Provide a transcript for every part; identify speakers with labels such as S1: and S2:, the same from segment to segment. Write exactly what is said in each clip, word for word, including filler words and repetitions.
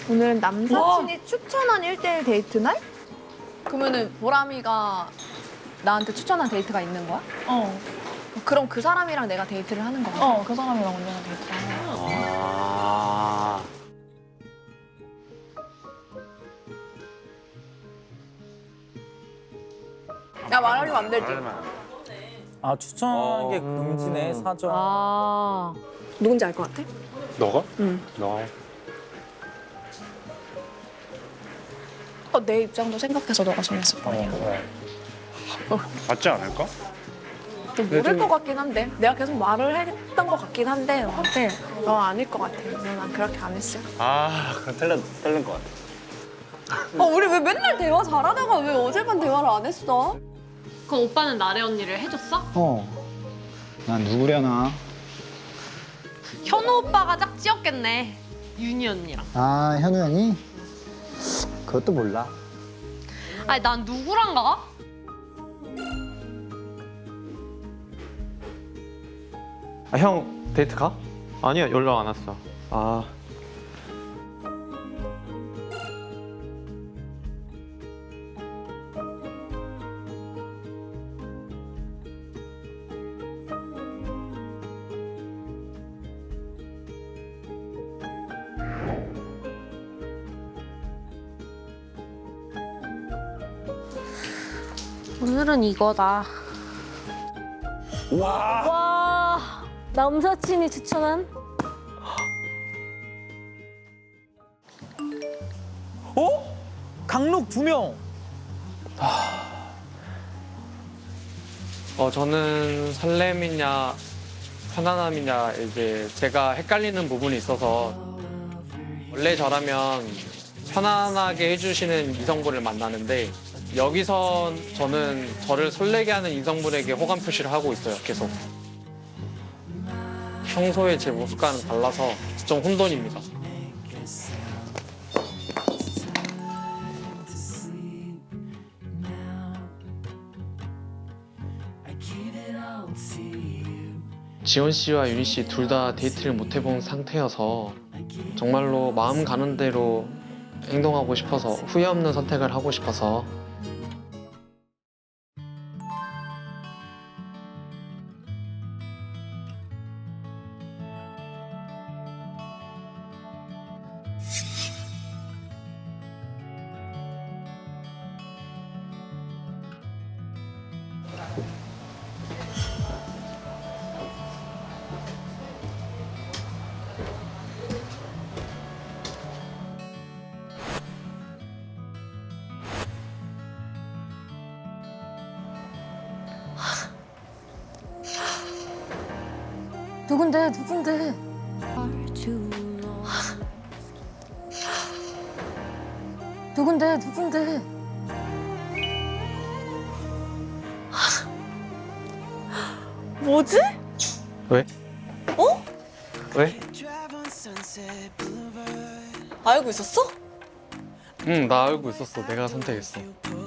S1: 오늘은 남사친이 추천한 일 대일 데이트 날?
S2: 그러면은 보람이가 나한테 추천한 데이트가 있는 거야?
S3: 어,
S2: 그럼 그 사람이랑 내가 데이트를 하는 거야?
S3: 어, 그 사람이랑 언니랑 데이트를 하는 거야.
S4: 아.
S2: 야, 말하면 안 되지.
S5: 아 추천하는 게
S4: 어.
S5: 금지네 사정.
S1: 아. 누군지 알 것 같아?
S4: 너가?
S1: 응.
S4: 너가 해.
S3: 어, 내 입장도 생각해서 너가 정했을 거 아니야.
S4: 맞지 않을까?
S2: 좀 모를 것 같긴 한데. 내가 계속 말을 했던 것 같긴 한데 너한테 너 아닐 것 같아. 난 그렇게 안 했어.
S4: 아, 그럼 틀린, 틀린 것 같아.
S2: 어, 우리 왜 맨날 대화 잘하다가 왜 어제만 대화를 안 했어?
S6: 그럼 오빠는 나래 언니를 해줬어?
S7: 어. 난 누구려나?
S6: 현우 오빠가 짝지었겠네. 윤희 언니랑.
S7: 아, 현우 형이? 그것도 몰라.
S6: 아니 난 누구랑 가?
S8: 아, 형 데이트 가? 아니야, 연락 안 왔어. 아.
S6: 오늘은 이거다.
S9: 와, 남사친이 추천한?
S5: 어? 강록 두 명.
S8: 어, 저는 설렘이냐 편안함이냐 이제 제가 헷갈리는 부분이 있어서 원래 저라면 편안하게 해주시는 이성분을 만나는데 여기선 저는 저를 설레게 하는 이성분에게 호감 표시를 하고 있어요, 계속. 평소에 제 모습과는 달라서 좀 혼돈입니다. 지원 씨와 윤희 씨 둘 다 데이트를 못 해본 상태여서 정말로 마음 가는 대로 행동하고 싶어서 후회 없는 선택을 하고 싶어서
S9: 누군데, 누군데? 누군데, 누군데?
S2: 뭐지?
S8: 왜?
S2: 어?
S8: 왜?
S2: 알고 있었어?
S8: 응, 나 알고 있었어. 내가 선택했어.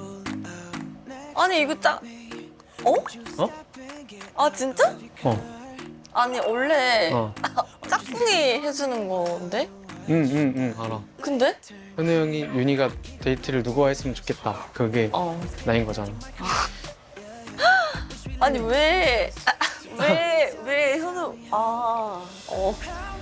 S2: 아니 이거 짝... 어?
S8: 어?
S2: 아 진짜?
S8: 어.
S2: 아니 원래
S8: 어.
S2: 짝꿍이 해주는 건데?
S8: 응, 응, 응, 알아.
S2: 근데?
S8: 현우 형이 윤희가 데이트를 누구와 했으면 좋겠다. 그게
S2: 어.
S8: 나인 거잖아.
S2: 아니 왜... 왜... 왜 현우... 아... 어...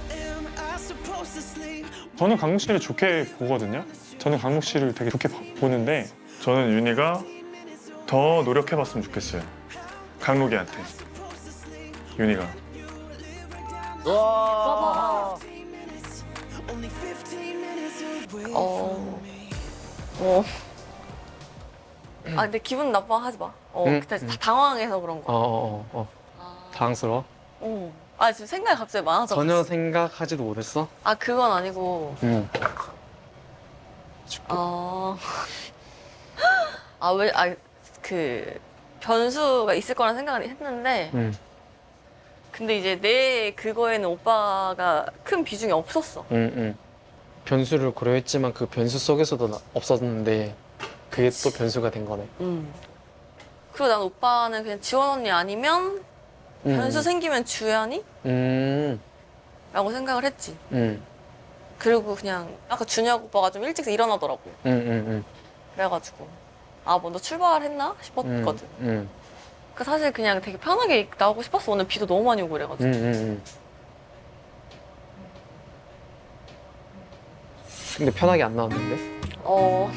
S10: 저는 강록 씨를 좋게 보거든요. 저는 강록 씨를 되게 좋게 봐- 보는데 저는 윤희가 더 노력해봤으면 좋겠어요. 강록이한테. 윤희가.
S5: 와.
S2: 어... 어... 아 근데 기분 나빠하지 마. 어,
S8: 응,
S2: 그때
S8: 응.
S2: 당황해서 그런
S8: 어,
S2: 거.
S8: 어, 어, 어. 당황스러워?
S2: 어. 아 지금 생각이 갑자기 많아져.
S8: 전혀 생각하지도 못했어?
S2: 아 그건 아니고.
S8: 응.
S2: 아... 아 왜... 아 그... 변수가 있을 거란 생각은 했는데
S8: 응,
S2: 근데 이제 내 그거에는 오빠가 큰 비중이 없었어.
S8: 응, 응. 변수를 고려했지만 그 변수 속에서도 나- 없었는데 그게 또 변수가 된 거네.
S2: 음. 그리고 난 오빠는 그냥 지원 언니 아니면
S8: 응,
S2: 변수 생기면 주연이?
S8: 음,
S2: 라고 생각을 했지.
S8: 음.
S2: 그리고 그냥 아까 준혁 오빠가 좀 일찍 일어나더라고.
S8: 응응응.
S2: 그래가지고 아 뭐 너 출발했나 싶었거든.
S8: 응.
S2: 그 사실 그냥 되게 편하게 나오고 싶었어. 오늘 비도 너무 많이 오고 그래가지고.
S8: 응응응. 근데 편하게 안 나왔는데?
S2: 어.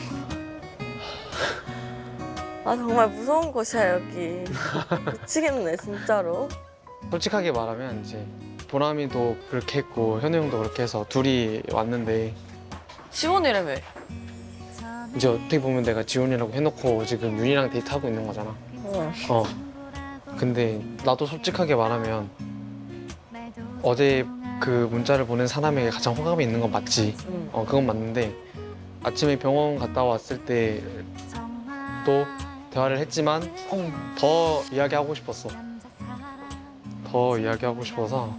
S2: 아 정말 무서운 곳이야 여기. 미치겠네 진짜로.
S8: 솔직하게 말하면 이제 보람이도 그렇게 했고 현우 형도 그렇게 해서 둘이 왔는데
S2: 지원이라며.
S8: 이제 어떻게 보면 내가 지원이라고 해놓고 지금 윤이랑 데이트하고 있는 거잖아.
S2: 어.
S8: 어. 근데 나도 솔직하게 말하면 어제 그 문자를 보낸 사람에게 가장 호감이 있는 건 맞지.
S2: 응.
S8: 어, 그건 맞는데 아침에 병원 갔다 왔을 때 또 대화를 했지만 더 이야기하고 싶었어. 더 이야기하고 싶어서.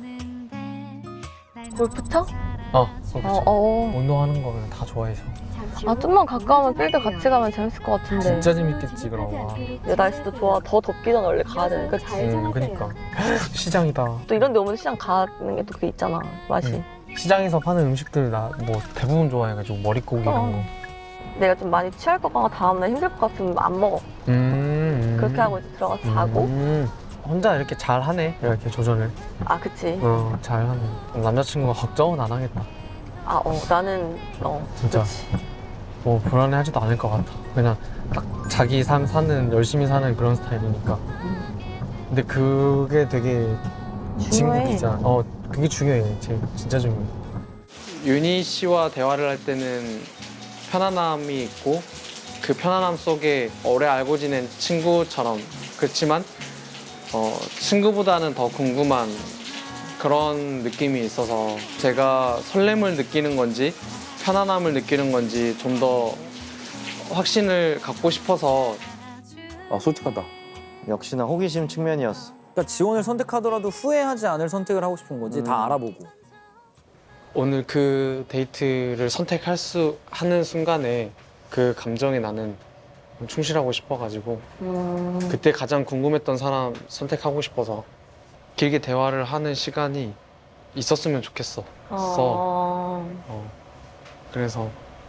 S2: 골프 쳐?
S8: 어,
S2: 어, 어.
S8: 운동하는 거 그냥 다 좋아해서.
S2: 아 좀만 가까우면 필드 같이 가면 재밌을 것 같은데.
S8: 재밌겠지 그럼. 와.
S2: 야, 날씨도 좋아. 더 덥기 전에 원래 가야 되는 거지.
S8: 음, 그니까. 시장이다.
S2: 또 이런 데 오면 시장 가는 게 또 그게 있잖아. 맛이.
S8: 시장에서 파는 음식들 나 뭐 대부분 좋아해가지고 머릿고기 이런 거.
S2: 내가 좀 많이 취할 것 같고 다음날 힘들 것 같으면 안 먹어.
S8: 음.
S2: 그렇게 하고 이제 들어가서 자고.
S8: 음. 혼자 이렇게 잘 하네. 이렇게 조절을.
S2: 아 그치.
S8: 어, 잘 하네. 남자친구가 걱정은 안 하겠다.
S2: 아 어 나는 어
S8: 진짜.
S2: 그치.
S8: 뭐 불안해하지도 않을 것 같아. 그냥 딱 자기 삶 사는 열심히 사는 그런 스타일이니까. 근데 그게 되게
S2: 중요해.
S8: 친구이잖아. 어, 그게 중요해. 제 진짜 중요해. 윤희 씨와 대화를 할 때는 편안함이 있고 그 편안함 속에 오래 알고 지낸 친구처럼 그렇지만 어, 친구보다는 더 궁금한 그런 느낌이 있어서 제가 설렘을 느끼는 건지 편안함을 느끼는 건지 좀 더 확신을 갖고 싶어서.
S4: 아 솔직하다. 역시나 호기심 측면이었어.
S5: 그러니까 지원을 선택하더라도 후회하지 않을 선택을 하고 싶은 거지.
S4: 음.
S5: 다 알아보고.
S8: 오늘 그 데이트를 선택할 수 하는 순간에 그 감정에 나는 충실하고 싶어가지고
S2: 음.
S8: 그때 가장 궁금했던 사람 선택하고 싶어서 길게 대화를 하는 시간이 있었으면 좋겠어.
S2: 어.
S8: 어. 그래서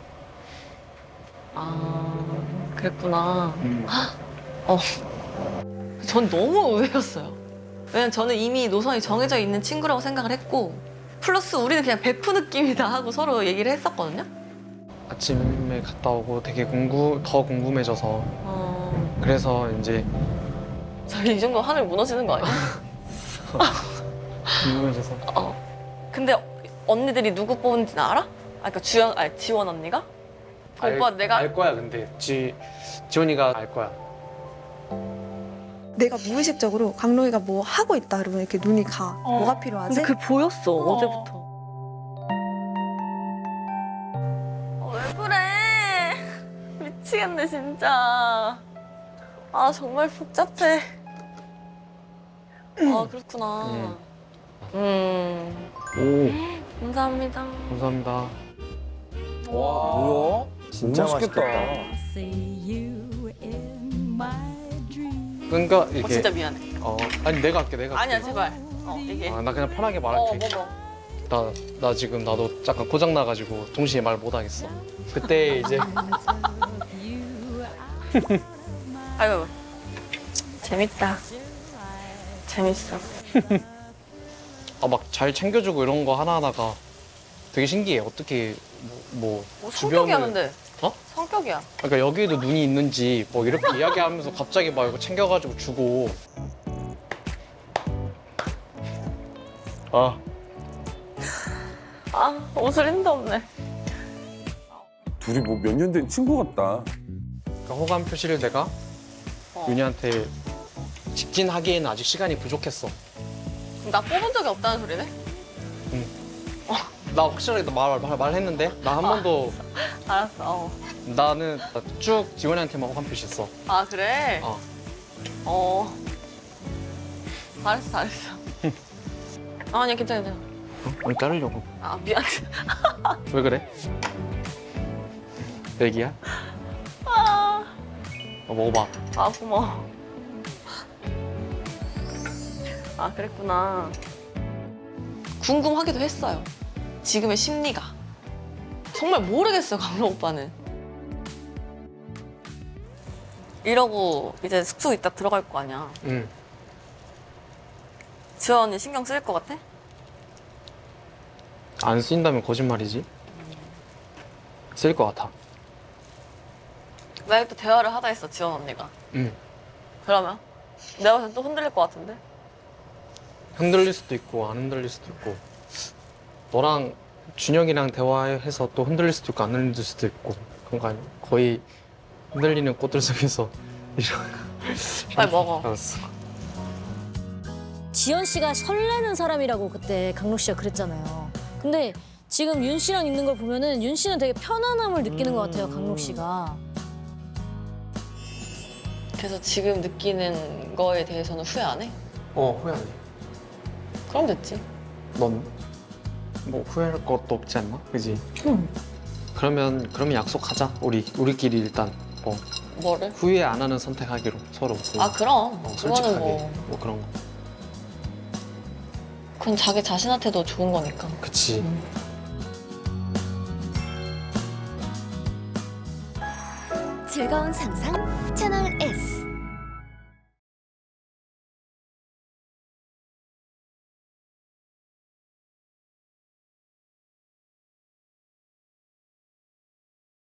S2: 아 그랬구나. 어. 전 너무 의외였어요. 왜냐면 저는 이미 노선이 정해져 있는 친구라고 생각을 했고 플러스 우리는 그냥 베프 느낌이다 하고 서로 얘기를 했었거든요.
S8: 아침에 갔다 오고 되게 궁금 더 궁금해져서
S2: 어.
S8: 그래서 이제
S2: 저희 이 정도 하늘 무너지는 거 아니야?
S8: 궁금해져서
S2: 어. 근데 언니들이 누구 뽑은지는 알아? 아, 그러니까 주연, 아니 지원 언니가? 그 오빠 내가
S8: 알 거야. 근데 지 지원이가 알 거야.
S1: 내가 무의식적으로 강로이가 뭐 하고 있다 그러면 이렇게 눈이 가. 뭐가 필요하지?
S2: 근데 그게 보였어 어. 제부터 어, 왜 그래? 미치겠네 진짜. 아 정말 복잡해. 아 그렇구나.
S8: 음.
S2: 음.
S8: 오,
S2: 감사합니다.
S8: 감사합니다.
S5: 뭐야?
S4: 진짜 맛있겠다.
S8: 그러니까
S2: 어,
S8: 이게
S2: 진짜 미안해.
S8: 어 아니 내가 할게 내가 할게.
S2: 아니야 제발. 어 얘기해.
S8: 아, 나 그냥 편하게
S2: 어
S8: 말할게.
S2: 뭐 뭐.
S8: 나, 나 지금 나도 약간 고장 나가지고 동시에 말 못 하겠어. 그때 이제
S2: 아이고 재밌다. 재밌어.
S8: 아, 막 잘 챙겨주고 이런 거 하나하나가 되게 신기해. 어떻게 뭐, 뭐
S2: 뭐 성격이야 근데.
S8: 어?
S2: 성격이야.
S8: 그러니까 여기에도 눈이 있는지 뭐 이렇게 이야기하면서 갑자기 막 이거 챙겨가지고 주고. 아,
S2: 아 옷을 힘도 없네.
S11: 둘이 뭐 몇 년 된 친구 같다.
S8: 그러니까 호감 표시를 내가
S2: 어.
S8: 윤희한테 직진하기에는 아직 시간이 부족했어.
S2: 나 뽑은 적이 없다는 소리네?
S8: 나 확실하게 말, 말, 말했는데 나 한 번도
S2: 알았어. 어.
S8: 나는 쭉 지원이한테만 호감 표시했어.
S2: 아 그래?
S8: 어.
S2: 어. 잘했어 잘했어. 아니야 괜찮아 괜찮아.
S8: 왜 자르려고?
S2: 아 미안.
S8: 왜 그래? 애기야?
S2: 아,
S8: 어, 먹어봐.
S2: 아 고마워. 아 그랬구나. 궁금하기도 했어요. 지금의 심리가. 정말 모르겠어요, 강록 오빠는. 이러고 이제 숙소 이따 들어갈 거 아니야.
S8: 응.
S2: 지원 언니 신경 쓸 것 같아?
S8: 안 쓰인다면 거짓말이지. 쓸 것 같아.
S2: 만약에 또 대화를 하다 했어, 지원 언니가.
S8: 응.
S2: 그러면? 내가 봤을 땐 또 흔들릴 것 같은데?
S8: 흔들릴 수도 있고 안 흔들릴 수도 있고. 너랑 준영이랑 대화해서 또 흔들릴 수도 있고 안 흔들릴 수도 있고. 그런 거 아니야? 거의 흔들리는 꽃들 속에서
S2: 빨리 먹어.
S8: 알았어.
S9: 지연 씨가 설레는 사람이라고 그때 강록 씨가 그랬잖아요. 근데 지금 윤 씨랑 있는 걸 보면은 윤 씨는 되게 편안함을 느끼는 것 같아요, 강록 씨가.
S2: 그래서 지금 느끼는 거에 대해서는 후회 안 해?
S8: 어, 후회 안 해.
S2: 그럼 됐지.
S8: 넌 뭐 후회할 것도 없지 않나? 그지?
S9: 응.
S8: 그러면 그러면 약속하자. 우리 우리끼리 일단 뭐
S2: 뭐를?
S8: 후회 안 하는 선택하기로 서로.
S2: 아, 그럼.
S8: 어,
S2: 그거는
S8: 솔직하게
S2: 뭐.
S8: 뭐 그런 거.
S2: 그건 자기 자신한테도 좋은 거니까.
S8: 그치.
S9: 즐거운 상상 채널 S.